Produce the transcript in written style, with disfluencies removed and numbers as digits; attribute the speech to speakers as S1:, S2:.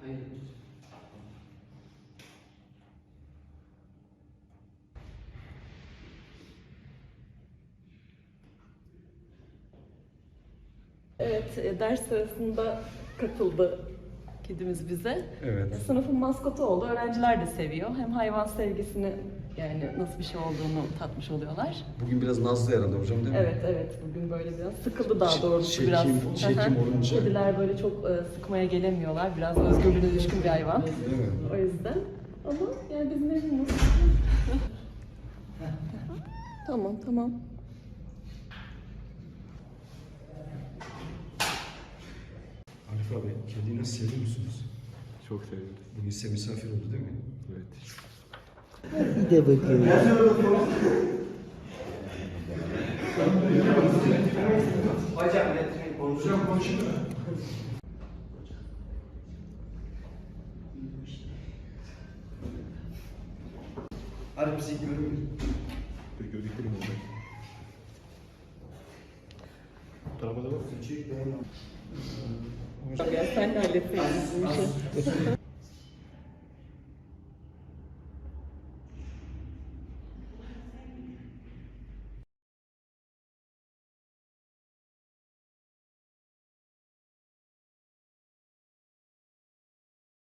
S1: Evet, ders sırasında katıldı kedimiz bize.
S2: Evet.
S1: Sınıfın maskotu oldu. Öğrenciler de seviyor. Hem hayvan sevgisini, yani nasıl bir şey olduğunu tatmış oluyorlar.
S2: Bugün biraz nazlı herhalde hocam değil mi?
S1: Evet. Bugün böyle biraz sıkıldı daha doğrusu biraz.
S2: Çekim olunca.
S1: Kediler böyle çok sıkmaya gelemiyorlar. Biraz özgürlüğüne düşkün bir hayvan.
S2: Değil mi?
S1: O yüzden. Ama yani biz memnunuz. Tamam.
S2: Arif abi, kediyi nasıl seviyor musunuz?
S3: Çok seviyoruz.
S2: Bugün size misafir oldu değil mi?
S3: Evet.
S4: Bir de bakıyorum.
S5: Hocam konuşayım mı? Hadi bizi görmüyor.
S3: Peki gördüklerim oldu. Bu tarafa da bak.
S1: Ya sen de halletseydin bu işi.